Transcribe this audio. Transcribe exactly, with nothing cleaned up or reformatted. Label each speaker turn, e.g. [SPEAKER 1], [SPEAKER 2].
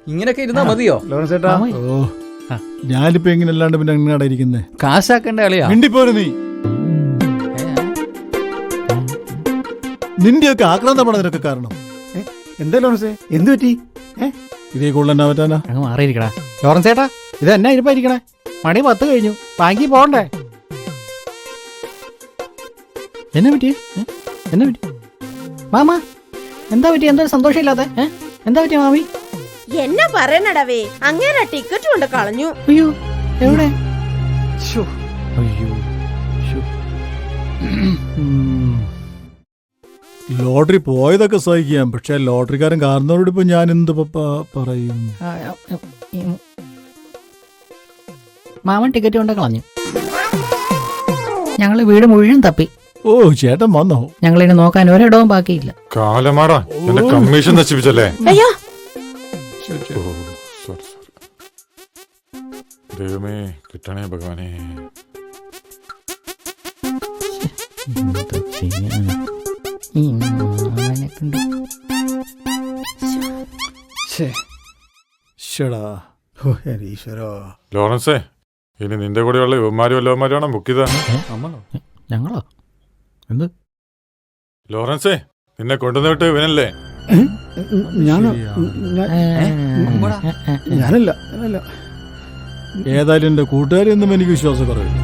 [SPEAKER 1] ഇങ്ങനെയൊക്കെ ഇരുന്നാ മതിയോ?
[SPEAKER 2] ലോറൻസ് ചേട്ടാ,
[SPEAKER 3] ഓ ഞാനിപ്പോ എങ്ങനെ അല്ലാണ്ട് പിന്നെ എങ്ങനെയാടാ ഇരിക്കുന്നേ?
[SPEAKER 1] കാശാക്കേണ്ട കളിയാ.
[SPEAKER 3] മിണ്ടിപ്പോരു നീ. നിന്റെയൊക്കെ ആക്രാന്തമാണ് അതിനൊക്കെ കാരണം.
[SPEAKER 2] എന്താ ലോറൻസ്, എന്ത് പറ്റി?
[SPEAKER 3] ഇതേ കൂടുതൽ എന്നാ പറ്റാനാ?
[SPEAKER 4] അങ്ങ് മാറിയിരിക്കടാ ലോറൻസ് ചേട്ടാ. ഇത് എന്നാ ഇരിപ്പായിരിക്കണേ? മണി പത്ത് കഴിഞ്ഞു, ബാങ്കിൽ പോകണ്ടേ? എന്നാ പറ്റി? എന്നാ പറ്റി മാമ? എന്താ പറ്റി? എന്താ സന്തോഷമില്ലാതെ? എന്താ പറ്റിയ മാമി?
[SPEAKER 5] എന്നാ പറയണടവേ, അങ്ങേരെ ടിക്കറ്റ് കൊണ്ട് കളഞ്ഞു.
[SPEAKER 4] അയ്യോ, എവിടെ? അയ്യോ,
[SPEAKER 3] ലോട്ടറി പോയതൊക്കെ സഹിക്കാം, പക്ഷെ ലോട്ടറിക്കാരൻ കാരണവരോട് ഇപ്പൊ ഞാൻ എന്ത് പറയും?
[SPEAKER 4] മാമൻ ടിക്കറ്റ് കൊണ്ട് കളഞ്ഞു. ഞങ്ങള് വീട് മുഴുവൻ തപ്പി.
[SPEAKER 3] ഓ ചേട്ടൻ വന്നോ?
[SPEAKER 4] ഞങ്ങളിനി നോക്കാൻ ഒരിടവും ബാക്കിയില്ല.
[SPEAKER 6] കാലമാടാ, എന്റെ കമ്മീഷൻ നശിപ്പിച്ചല്ലേ?
[SPEAKER 5] അയ്യോ
[SPEAKER 6] ദൈവമേ, കിട്ടണേ ഭഗവാനെ. ലോറൻസേ, ഇനി നിന്റെ കൂടെയുള്ള യുവമാരും വല്ലവന്മാരാണോ ബുക്ക് ചെയ്ത?
[SPEAKER 4] ഞങ്ങളോ? എന്ത്
[SPEAKER 6] ലോറൻസേ, നിന്നെ കൊണ്ടുവന്ന് വിട്ട് ഇവനല്ലേ?
[SPEAKER 2] ഞാനോ? ഞാനല്ല, ഞാനല്ല.
[SPEAKER 3] ഏതായാലും എന്റെ കൂട്ടുകാരെയൊന്നും എനിക്ക് വിശ്വാസം കുറവില്ല.